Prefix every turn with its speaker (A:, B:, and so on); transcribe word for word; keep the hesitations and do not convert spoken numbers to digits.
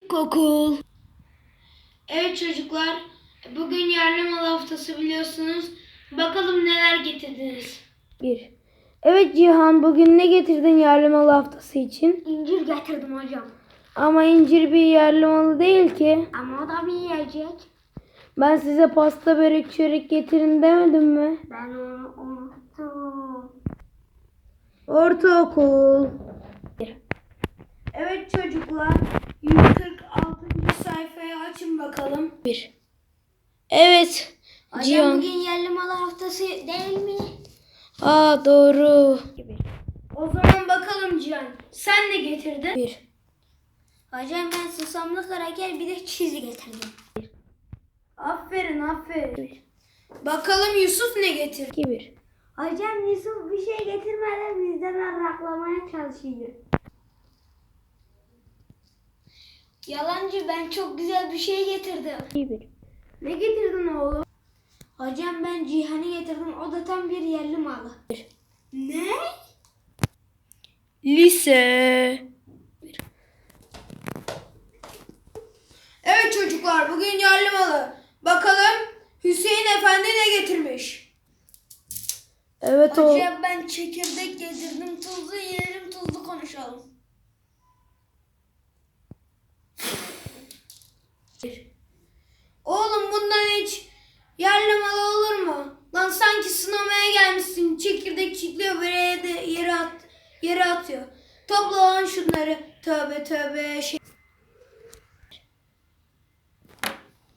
A: Kokul. Evet çocuklar, bugün yerli mal haftası biliyorsunuz. Bakalım neler getirdiniz.
B: Bir. Evet Cihan, bugün ne getirdin yerli mal haftası için?
A: İncir getirdim hocam.
B: Ama incir bir yerli malı değil ki.
A: Ama o da bir yiyecek.
B: Ben size pasta, börek, çörek getirin demedim mi?
A: Ben onu unuttum.
B: Ortaokul. Evet çocuklar, yüz kırk altıncı sayfayı açın bakalım. Bir. Evet
A: Hocam
B: Cihan.
A: bugün yerli mal haftası değil mi?
B: Aa doğru.
A: O zaman bakalım Cihan. Sen ne getirdin?
B: Bir.
A: Hocam ben susamlı kraker bir de çizi getirdim.
B: Aferin aferin.
A: Bakalım Yusuf ne getirdi?
B: İki bir.
A: Hocam Yusuf bir şey getirmeden bizden arraklamaya çalışıyor. Yalancı, ben çok güzel bir şey getirdim.
B: İki bir.
A: Ne getirdin oğlum? Hocam ben Cihan'ı getirdim. O da tam bir yerli malı. Ne?
B: Lise.
A: Evet çocuklar, bugün yerli malı. Bakalım Hüseyin Efendi ne getirmiş?
B: Evet o.
A: Hocam ben çekirdek getirdim. Tuzlu yiyelim, tuzlu konuşalım. Oğlum bundan hiç yerli malı olur mu? Lan sanki sınamaya gelmişsin. Çekirdek çitliyor, böyle de yere at, yere atıyor. Topla lan şunları. Tövbe tövbe şey.